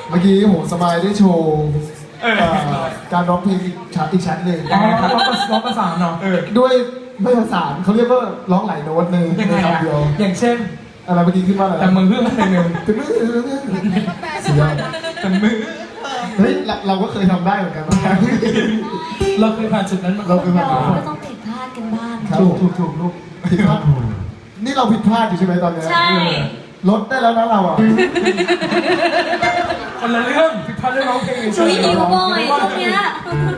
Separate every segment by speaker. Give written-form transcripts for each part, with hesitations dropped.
Speaker 1: เมื่อกี้โหสมายได้โชว์การร้องเพลงอีกชั้นหนึ่ง
Speaker 2: ร้องประสานเนาะ
Speaker 1: ด้วยไม่ประสานเขาเรียกว่าร้องหลายโน้ตในคำเดียว
Speaker 2: อย่างเช่น
Speaker 1: อะไรเมื่อกี้ขึ้นว่าอะไร
Speaker 2: แต่มือเพื่อนเพลงหนึ่ง
Speaker 1: แต่มือเสียง
Speaker 2: แต่มือ
Speaker 1: เฮ้ยเราก็เคยทำได้เหมือนกันนะ
Speaker 2: เราเคยผ่านจุดนั้นมา
Speaker 1: เราเคยผ่าน
Speaker 3: เรา
Speaker 1: มา
Speaker 3: ก็ต้องผิดพลาดกันบ้าง
Speaker 1: ครับถูกลูกผิดพลาดนี่เราผิดพลาดอยู่ใช่ไหมตอนเนี้ย
Speaker 3: ใช่
Speaker 1: ลดได้แล้วนะเราอ่ะ
Speaker 2: คนละเรื่องผิดพลาดเรื่องร้องเพลง
Speaker 3: หนูหิวบ่อยช่วงเนี้ย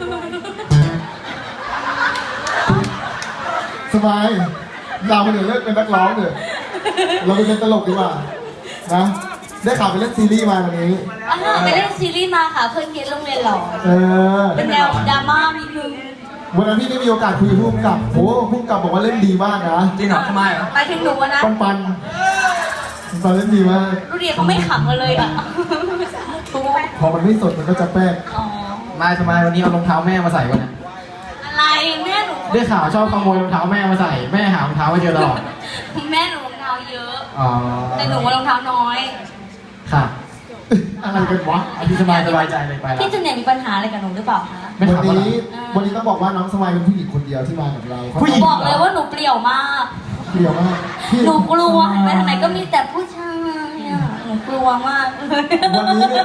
Speaker 1: สบายเราเนี่ยเลิกเป็นนักร้องเถอะเราไปเป็นตลกดีกว่านะได้ข่าวไปเล่นซีรีส์มาวันนี้
Speaker 3: ไปเล่นซีรีส์มาค่ะเพื่อนเกณฑ์โรงเรียนหล่อ
Speaker 1: เออ
Speaker 3: เป็นแนวดราม่านิดนึง
Speaker 1: วันนั้นพี่ได้มีโอกาสคุยกับผู้กำกับโอ้ผู้กำกับบอกว่าเล่นดีมากนะ
Speaker 2: จริงเหรอทำไมอ่ะ
Speaker 3: ไปถึงหนูอะนะ
Speaker 1: ปันเล่นดีมาก
Speaker 3: ดูดิเขาไม่ขำกันเลยอ่ะทุก
Speaker 1: พอมันไม่สดมันก็จะแป้ง
Speaker 3: อ๋อ
Speaker 4: มาทำไมวันนี้เอารองเท้าแม่มาใส่วะเนี่ย
Speaker 3: อะไรแม่หนู
Speaker 4: ได้ข่าวชอบขโมยรองเท้าแม่มาใส่ แม่หารองเท้าไม่เจอตลอด
Speaker 3: แม่หนูรองเท้าเยอะ
Speaker 4: อ๋อ
Speaker 3: แต่หนูว่ารองเท้าน้อย
Speaker 4: ค่ะ
Speaker 1: อะไรกันวะ
Speaker 4: อันนี้สบายใจเลยไปแล้ว
Speaker 3: พี่จุนเนี่ยมีปัญหาอะไรกับหนูหรือเปล่าคะ
Speaker 4: ไม่
Speaker 1: วัน
Speaker 4: ถามว่า
Speaker 1: นี้ต้องบอกว่าน้องสมัยเป็นผู้หญิงคนเดียวที่มากับเรา
Speaker 4: ผู้หญิง
Speaker 3: บอกเลยว่าหนูเปลี่ยวมาก
Speaker 1: เปรี้ยวมากพี่
Speaker 3: หนูกลัวไปทางไหนก็มีแต่ผู้ชายอ่ะหนูกลัวมากเลย
Speaker 1: วันนี้เนี่ย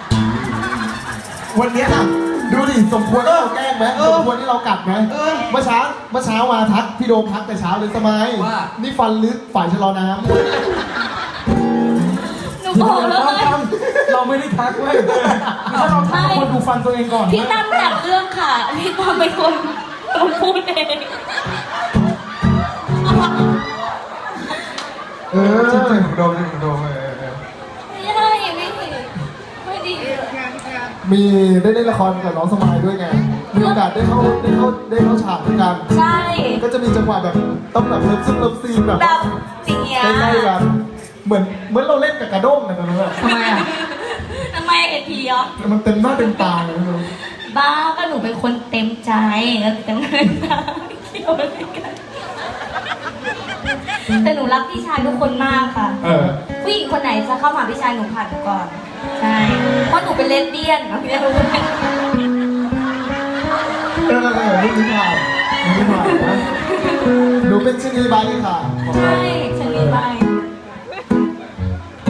Speaker 1: วันเนี้ยน่ะดูดิสมควรที่เราแกล้งไหมสมควรที่เรากัดไหมเมื่อเช้ามาทักพี่โดมทักแต่เช้าเลยสมัยนี่ฟันลึกฝ่ายชะลอน้ำ
Speaker 3: หนูบอกแล้วไง
Speaker 2: เราไม่ได้ทักเว้ยถ้าเราทักคนดูฟันตัวเองก่อน
Speaker 3: พี่ตั้มแต่งเรื่องค่ะพี่ตั้มเป็นคนพูดเอง
Speaker 1: จริง
Speaker 2: โดน
Speaker 3: ไม่ได้ไม่ดี
Speaker 1: มีได้เล่นละครกับน้องสมัยด้วยไงมีโอกาสได้เข้าฉากด้วยกัน
Speaker 3: ใช่
Speaker 1: ก็จะมีจังหวะแบบต้องแบบเลิฟซีนแบบ
Speaker 3: แบบอย่างเงี้ย
Speaker 1: ใกล้ๆกันเหมือนเราเล่นกับกระด้งนะตอนนั้นอะ
Speaker 3: ทำไมอ่ะทำไมเอ็นทีอ่ะ
Speaker 1: มันเต็มหน้าเต็มตาเลยนะ
Speaker 3: บ้าก็หนูเป็นคนเต็มใจแล้วเต็มเงินนะเกี่ยวอะไรกันแต่หนูรักพี่ชายทุกคนมากค่ะ ผู้หญิงคนไหนจะเข้ามาพี่ชายหนูผ่านก่อน ใช่ เพราะหนูเป็นเลสเบี้ยนนะพี่รู้ไหม
Speaker 1: นี่ผ่านนะหนูเป็นชนีใบค่ะ
Speaker 3: ใช่ฉันมีใบ